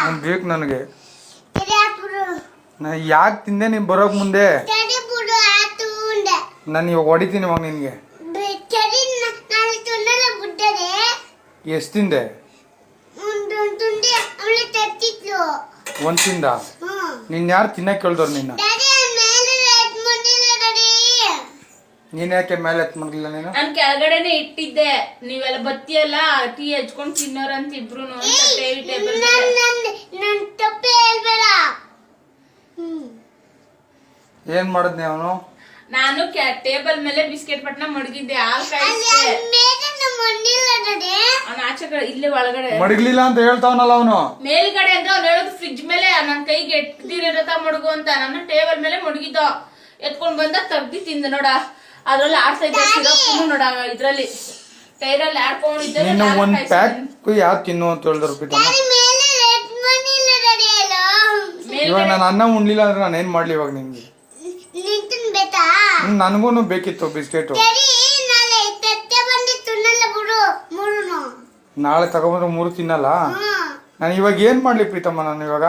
ಬೇಕು ನನಗೆ. ಯಾಕೆ ತಿಂದೆ ನೀನು ಬರೋಕ್ ಮುಂದೆ? ನಾನು ಇವಾಗ ಹೊಡಿತೀನಿ ಇವಾಗ ನಿನ್ಗೆ. ಎಷ್ಟು ತಿಂದೆ? ಒಂದ್ ತಿಂದ? ನಿನ್ ಯಾರು ತಿನ್ನಕ್ ಕೇಳ್ದವ್ರು ನಿನ್ನ? ನೀನ್ ಯಾಕೆ ಮೇಲೆ ಎತ್ ಮಾಡ್ಲಿಲ್ಲ ನೀನು? ನಾನ್ ಕೆಳಗಡೆನೆ ಇಟ್ಟಿದ್ದೆ, ನೀವೆಲ್ಲ ಬತ್ತಿಯಲ್ಲ ಟೀ ಹಚ್ಕೊಂಡ್ ತಿನ್ನೋರಂತ ಇಬ್ರು. ಏನ್ ಮಾಡದ್ನಿ ಅವನು? ನಾನು ಟೇಬಲ್ ಮೇಲೆ ಬಿಸ್ಕೆಟ್ ಪಟ್ನ ಮಡಗಿದ್ದೆ, ಅವ್ನ ಆಚೆ ಕಡೆ ಇಲ್ಲೇ ಒಳಗಡೆ ಮಡಗ್ಲಿಲ್ಲ ಅಂತ ಹೇಳ್ತಾವನಲ್ಲ ಅವನು. ಮೇಲ್ಗಡೆ ಅಂದ್ರೆ ಅವ್ನು ಹೇಳೋದು ಫ್ರಿಡ್ಜ್ ಮೇಲೆ ನನ್ ಕೈಗೆ ಎಟ್ಟಿರತ ಮಡಗು ಅಂತ. ನಾನು ಟೇಬಲ್ ಮೇಲೆ ಮಡಗಿದ್ದ, ಎತ್ಕೊಂಡ್ ಬಂದ ತಗ್ದಿ ತಿಂದ ನೋಡ. ಅದ್ರಲ್ಲಿ ಆಡ್ತಾ ಇದ್ದ ಸಿರಪ್ ನೋಡ, ಇದ್ರಲ್ಲಿ ಟೈರಲ್ಲಿ ಆಡ್ಕೊಂಡಿದ್ದೆ. ಒಂದ್ ಪ್ಯಾಕ್ ಯಾರು ತಿನ್ನು ಅಂತ ಹೇಳಿದ್ರು. ಇವಾಗ ನಾನು ಅನ್ನ ಉಣ್ಲಿಲ್ಲ ಅಂದ್ರೆ ನಾನು ಏನ್ ಮಾಡ್ಲಿ ಇವಾಗ ನಿನ್ಗೆ? ನನ್ಗೂನು ಬೇಕಿತ್ತು ಬಿಸ್ಕೆಟ್. ನಾಳೆ ತಗೊಂಡ್ರೆ 3 ತಿನ್ನಲ್ಲ. ನಾನು ಇವಾಗ ಏನ್ ಮಾಡ್ಲಿ ಪ್ರೀತಮ್ಮ? ನಾನು ಇವಾಗ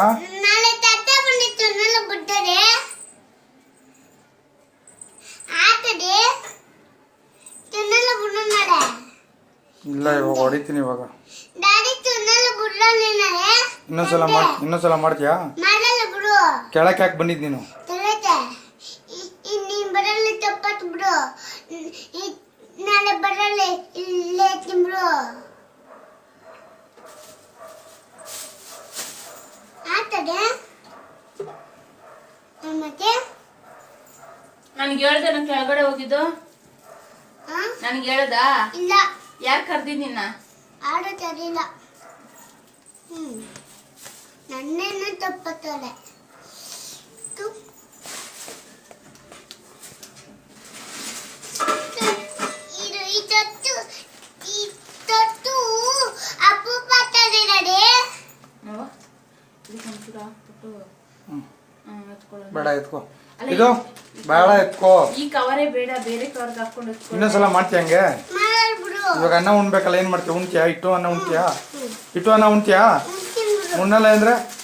ಇಲ್ಲ, ಇವಾಗ ಹೊಡಿತೀನಿ ಇವಾಗ. ಇನ್ನೊಂದ್ಸಲ ಮಾಡ್ತೀಯಾ? ಕೆಳಕ್ಕೆ ಯಾಕೆ ಬಂದಿದ್ ನೀನು? ನನ್ಗೆ ಹೇಳ್ದೆ ನನ್ ಕೆಳಗಡೆ ಹೋಗಿದ್ದು? ನನ್ಗೆ ಹೇಳ್ದ? ಇಲ್ಲ. ಯಾರು ಕರ್ದಿದ್ ನಿನ್ನ? ಆಡೋ ಸರಿಲ್ಲ. ನನ್ನೇನು ತಪ್ಪತ್ತೋಳೆ. ಬೇಡ ಎತ್ಕೋ, ಇದು ಬೇಡ ಎತ್ಕೋ. ಈ ಕವರೇ ಬೇಡ, ಬೇರೆ ಕವರ್ ಹಾಕೊಂಡು ಇನ್ನೊಂದ್ಸಲ ಮಾಡ್ತೀಯ ಹಂಗೆ? ಇವಾಗ ಅನ್ನ ಉಣ್ಬೇಕಲ್ಲ, ಏನ್ ಮಾಡ್ತೀಯ? ಉಣ್ತೀಯಾ? ಇಟ್ಟು ಅನ್ನ ಉಣ್ತೀಯಾ? ಉಣ್ತೀಯಾ? ಉಣ್ಣಲ್ಲ ಅಂದ್ರೆ